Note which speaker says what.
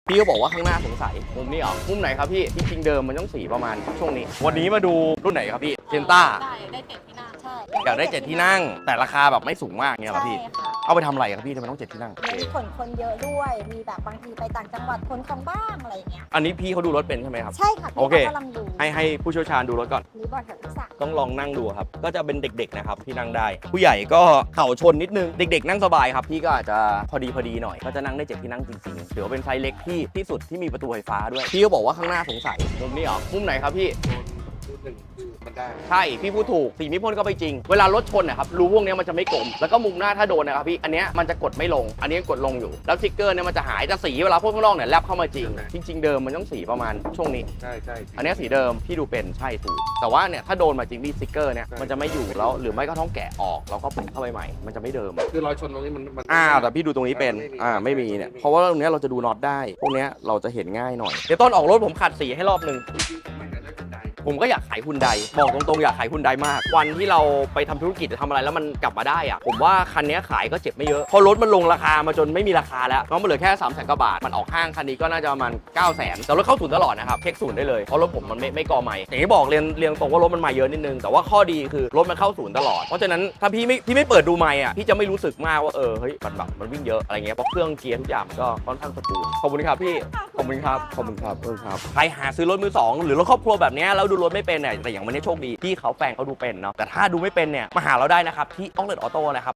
Speaker 1: พี่ก็บอกว่าข้างหน้าสงสัยมุมนี้เหรอมุมไหนครับพี่จริงๆเดิมมันต้องสีประมาณช่วงนี้วันนี้มาดูรุ่นไหนครับพี่เซนต้า
Speaker 2: ได้7ที่นั่งใช่
Speaker 1: อยากได้7ที่นั่งแต่ราคาแบบไม่สูงมากเนี่ยครับพี่
Speaker 2: ใช่ค่ะ
Speaker 1: เอาไปทำอะไรครับพี่ทำไมต้อง7ที่นั่ง
Speaker 2: เน้นขนคนเยอะด้วยมีแบบบางทีไปต่างจังหวัดขนของบ้างอะไรอย่างเงี้ย
Speaker 1: อันนี้พี่เขาดูรถเป็นใช่ไหมครับ
Speaker 2: ใช่ค่ะ
Speaker 1: โอเค
Speaker 2: พี่กำลังดู
Speaker 1: ให้ผู้เชี่ยวชาญดูรถก่อน
Speaker 2: หรือบอร์ดกับทักษะ
Speaker 1: ต้องลองนั่งดูครับก็จะเป็นเด็กๆนะครับที่นั่งได้ ผู้ใหญ่ก็เข่าชนนิดนึงเด็กๆนั่งสบายครับพี่ก็อาจจะพอดีหน่อยก็จะนั่งได้7ที่นั่งจริงๆถือว่าเป็นไซส์เล็กที่สุดที่มีประตูไฟฟ้าด้วยพี่ก็บอกว่าข้างหน้าสงสัยมุมนี้เหรอมุมไหนครับพี่
Speaker 3: หนึ่งคือมันได้
Speaker 1: ใช่พี่พูดถูกสีมิพ่นก็ไปจริงเวลารถชนนะครับรูพวกนี้มันจะไม่กลมแล้วก็มุมหน้าถ้าโดนนะครับพี่อันเนี้ยมันจะกดไม่ลงอันนี้กดลงอยู่แล้วสติ๊กเกอร์เนี่ยมันจะหายแต่สีเวลาพ่นข้างนอกเนี่ยแลบเข้ามาจริงเดิมมันต้องสีประมาณช่วงนี้
Speaker 3: ใช่ใช่
Speaker 1: อันเนี้ยสีเดิมพี่ดูเป็นใช่ถูกแต่ว่าเนี่ยถ้าโดนมาจริงพี่สติ๊กเกอร์เนี่ยมันจะไม่อยู่แล้วหรือไม่ก็ต้องแกะออกแล้วก็ปุ่มเข้าไปใหม่มันจะไม่เดิม
Speaker 3: คือรอยชนตรงนี้มัน
Speaker 1: แต่พี่ดูตรงนี้เป็นไม่มีเนี่ยเพราะว่าตรงเนี้ยเราจะดูน็อตได้พวกเนี้ยเราจะเห็นง่ายหน่อยเดี๋ยวต้นออกรถผมขัดสีให้รอบนึง
Speaker 3: มันจะได้เป็นได้
Speaker 1: ผมก็อยากขายฮุนไดบอกตรงๆอยากขายฮุนไดมากวันที่เราไปทำธุรกิจจะทำอะไรแล้วมันกลับมาได้อะผมว่าคันนี้ขายก็เจ็บไม่เยอะเพราะรถมันลงราคามาจนไม่มีราคาแล้วน้องมันเหลือแค่300,000 กว่าบาทมันออกห้างคันนี้ก็น่าจะประมาณ900,000แต่รถเข้าศูนย์ตลอดนะครับเช็คศูนย์ได้เลยเพราะรถผมมันไม่กอใหม่อย่างที่บอกเรียนตรงว่ารถมันมาเยอะนิดนึงแต่ว่าข้อดีคือรถมันเข้าศูนย์ตลอดเพราะฉะนั้นถ้าพี่ไม่เปิดดูไมค์อ่ะพี่จะไม่รู้สึกมากว่าเฮ้ยมันแบบมันวิ่งเยอะอะไรเงี้ยเพราะเครื่องเกียร์ทุกอย่างมันก็ค่อนข้างสมูทขอบคุณครับพี่ขอบคุณครับใครหาซื้อรถมือสองหรือรถครอบครัวแบบนี้แล้วดูรถไม่เป็นเนี่ยแต่อย่างวันนี้โชคดีพี่เขาแฟนเขาดูเป็นเนาะแต่ถ้าดูไม่เป็นเนี่ยมาหาเราได้นะครับที่ออกเลดออโต้นะครับ